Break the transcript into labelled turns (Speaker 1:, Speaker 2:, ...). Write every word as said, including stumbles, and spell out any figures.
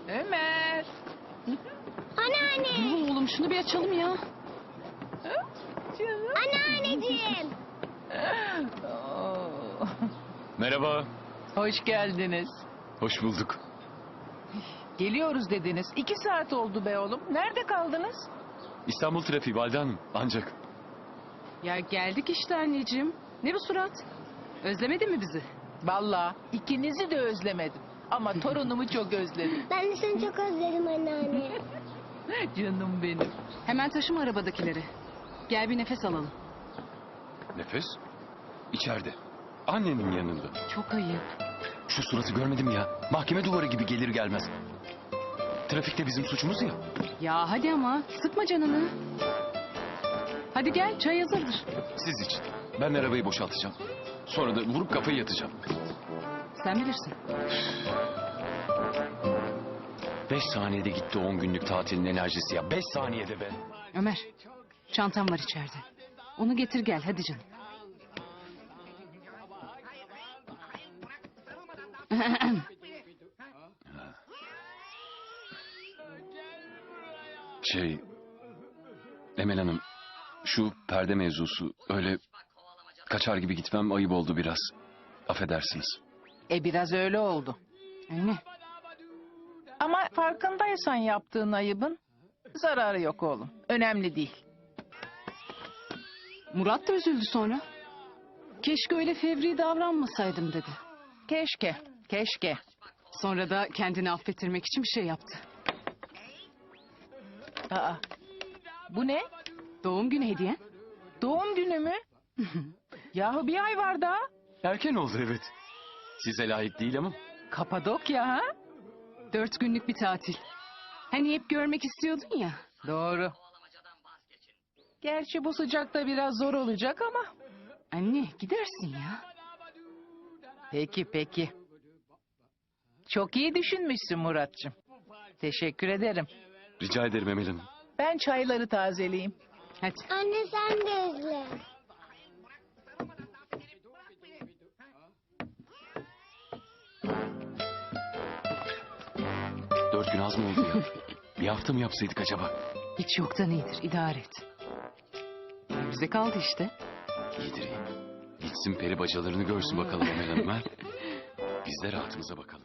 Speaker 1: Ömer.
Speaker 2: Anneanne.
Speaker 3: Dur oğlum şunu bir açalım ya.
Speaker 1: Canım.
Speaker 2: Anneanneciğim.
Speaker 1: Oo.
Speaker 4: Merhaba.
Speaker 1: Hoş geldiniz.
Speaker 4: Hoş bulduk.
Speaker 1: Geliyoruz dediniz. İki saat oldu be oğlum. Nerede kaldınız?
Speaker 4: İstanbul trafiği Valide Hanım. Ancak
Speaker 3: Ya geldik işte anneciğim. Ne bu surat? Özlemedin mi bizi?
Speaker 1: Vallahi ikinizi de özlemedim. Ama torunumu çok özledim.
Speaker 2: Ben de seni çok özledim anneanne.
Speaker 1: Canım benim.
Speaker 3: Hemen taşıma arabadakileri. Gel bir nefes alalım.
Speaker 4: nefes içeride. Annenin yanında.
Speaker 3: Çok ayıp.
Speaker 4: Şu suratı görmedim ya. Mahkeme duvarı gibi gelir gelmez. Trafikte bizim suçumuz ya.
Speaker 3: Ya hadi ama sıkma canını. Hadi gel çay hazırdır.
Speaker 4: Siz için. Ben arabayı boşaltacağım. Sonra da vurup kafayı yatacağım.
Speaker 3: Sen bilirsin.
Speaker 4: Beş saniyede gitti on günlük tatilin enerjisi ya. Beş saniyede be.
Speaker 3: Ömer çantam var içeride. Onu getir gel hadi canım.
Speaker 4: Şey... Emel Hanım... Şu perde mevzusu öyle... Kaçar gibi gitmem ayıp oldu biraz. Affedersiniz.
Speaker 1: E biraz öyle oldu.
Speaker 3: Anne
Speaker 1: Ama farkındaysan yaptığın ayıbın zararı yok oğlum. Önemli değil.
Speaker 3: Murat da üzüldü sonra. Keşke öyle fevri davranmasaydım dedi.
Speaker 1: Keşke, keşke.
Speaker 3: Sonra da kendini affettirmek için bir şey yaptı.
Speaker 1: Aa, bu ne?
Speaker 3: Doğum günü hediyen.
Speaker 1: Doğum günü mü? Yahu bir ay var daha.
Speaker 4: Erken oldu evet. Size layık değil ama.
Speaker 1: Kapadokya ha?
Speaker 3: Dört günlük bir tatil. Hani hep görmek istiyordun ya.
Speaker 1: Doğru. Gerçi bu sıcakta biraz zor olacak ama.
Speaker 3: Anne gidersin ya.
Speaker 1: Peki peki. Çok iyi düşünmüşsün Muratcığım. Teşekkür ederim.
Speaker 4: Rica ederim Emel Hanım.
Speaker 1: Ben çayları tazeleyeyim.
Speaker 3: Hadi.
Speaker 2: Anne sen de özle.
Speaker 4: Dört gün az mı oldu ya? Bir hafta mı yapsaydık acaba?
Speaker 3: Hiç yoktan iyidir idare et. Bize kaldı işte.
Speaker 4: İyidir iyi. Gitsin peri bacalarını görsün bakalım Emel Hanım ha. Biz de rahatımıza bakalım.